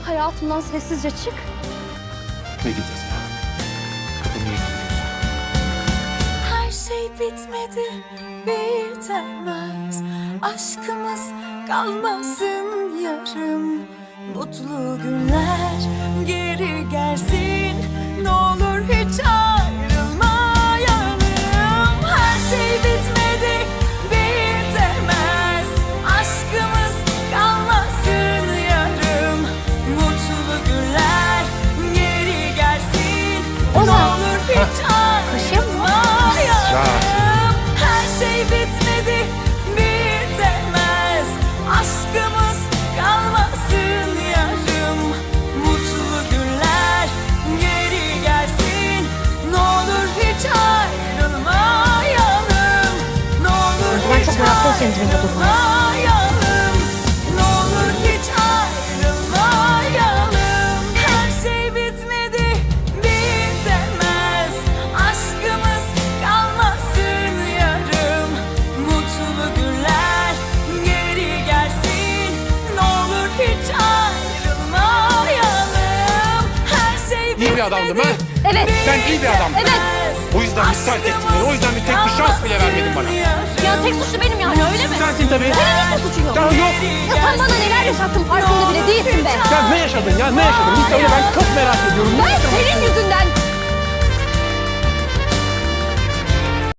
Hayatımdan sessizce çık. Ne gideceğiz ya? Kapımı yıkıyoruz. Her şey bitmedi, bitemez. Aşkımız kalmasın yarım. Mutlu günler geri gelsin. Ne olur hiç ayrılmayalım. Her şey bitmedi, bitemez. Aşkımız kalmasın yarım. Mutlu günler geri gelsin. Ne olur hiç ayrılmayalım. Her şey bitmedi, bitemez. Aşkımız kalmasın yarım. Mutlu günler geri gelsin. Ne olur hiç ayrılmayalım. Ne olur Ben hiç çok meraklıyım senin dibinde durmaya. ayrılmayalım. Ne olur hiç ayrılmayalım. Her şey bitmedi, bitemez. Aşkımız kalmasın yarım. Mutlu günler geri gelsin. Ne olur hiç ayrılmayalım. Her şey bitmedi. İyi bir adamdım ha? Evet. Sen iyi bir adamdın. Evet. O yüzden müsaade ettin beni. O yüzden bir tek bir şans bile vermedin bana. Ya tek suçlu benim yani öyle mi? Sensin tabii. Senin hiçbir suçun yok. Ya yok. Ya sen bana neler yaşattın farkında bile değilsin be. Ya ne yaşadın ya? Ne yaşadın? Bir söyle, ben çok merak ediyorum. Ne Ben yaşadın? senin yüzünden